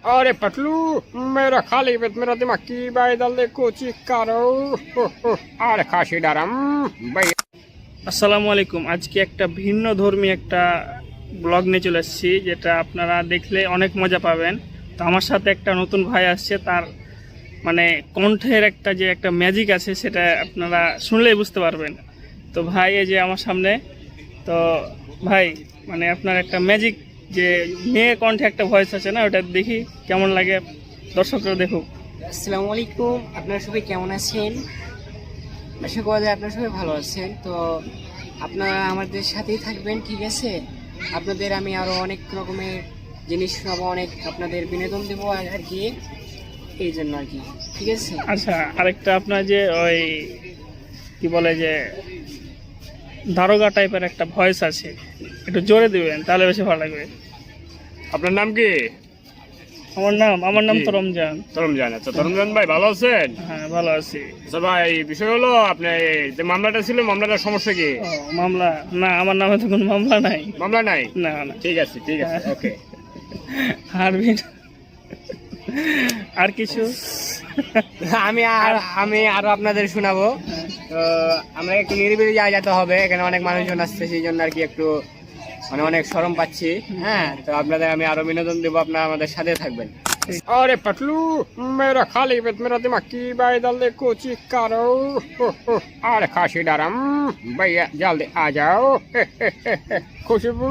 अरे पतलू मेरा खाली पेट मेरा दिमाग की बाई दल्ले कोची कारो अरे खासी डाराम भाई। আসসালামু আলাইকুম। আজকে একটা ভিন্ন ধর্মী একটা ব্লগ নিয়ে চলে এসেছি, যেটা আপনারা দেখলে অনেক মজা পাবেন। তো আমার সাথে একটা নতুন ভাই আসছে, তার মানে কণ্ঠের একটা ম্যাজিক আছে, সেটা আপনারা শুনলেই বুঝতে পারবেন। তো ভাই এই যে আমার সামনে, তো ভাই মানে আপনার একটা ম্যাজিক, যে মেয়ে কণ্ঠে একটা ভয়েস আছে না, ওটা দেখি কেমন লাগে, দর্শকরা দেখুক। আসসালামু আলাইকুম, আপনারা সবাই কেমন আছেন? আশা করা যায় আপনারা সবাই ভালো আছেন। তো আপনারা আমাদের সাথেই থাকবেন, ঠিক আছে? আপনাদের আমি আরও অনেক রকমের জিনিস শোনাবো, অনেক আপনাদের বিনোদন দেবো আর কি, এই জন্য আর কি, ঠিক আছে? আচ্ছা, আরেকটা আপনার যে ওই কি বলে যে দারোগা টাইপের একটা ভয়েস আছে, একটু জোরে দিবেন তাহলে বেশি ভালো লাগবে। আপনার নাম কি? আমার নাম তো রমজান। তরমজান। আচ্ছা তরমজান ভাই ভালো আছেন? হ্যাঁ, ভালো আছি। আচ্ছা ভাই, বিষয় হলো আপনি যে মামলাটা ছিল, মামলাটার সমস্যা কি? ও, মামলা না, আমার নামে তো কোনো মামলা নাই। মামলা নাই? না না। ঠিক আছে ওকে। আর কিছু আমি আরো আপনাদের শোনাবো। তো আমরা একটু নিরিবিলি যেতে হবে, এখানে অনেক মানুষজন আসছে, সেই জন্য আর কি একটু মানে অনেক শরম পাচ্ছি। হ্যাঁ, তো আপনাদের আমি আরো বিনোদন দেবো, আপনারা আমাদের সাথে থাকবেন। अरे पतलू मेरा खाली पेट मेरा दिमाग की बाई दल्ले कोची कारो अरे खासी डाराम भैया जल्दी आ जाओ खुशबू।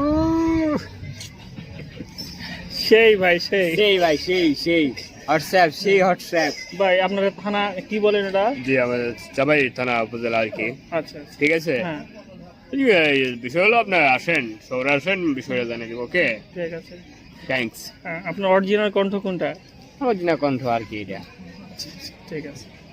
সেই ভাই সেই সেই ভাই সেই হোয়াটসঅ্যাপ, সেই হোয়াটসঅ্যাপ। ভাই আপনাদের থানা কি বলেন এটা? জি আমাদের চাবাই থানা উপজেলা আর কি। আচ্ছা ঠিক আছে, হ্যাঁ, বিষয় হলো আপনার আসেন, শহরে আসেন, বিষয়টা জানিয়ে দিব। ওকে, ঠিক আছে। থ্যাঙ্কস। হ্যাঁ, আপনার অরিজিনাল কণ্ঠ কোনটা? আমার দিনা কণ্ঠ আর কি এটা। ঠিক আছে।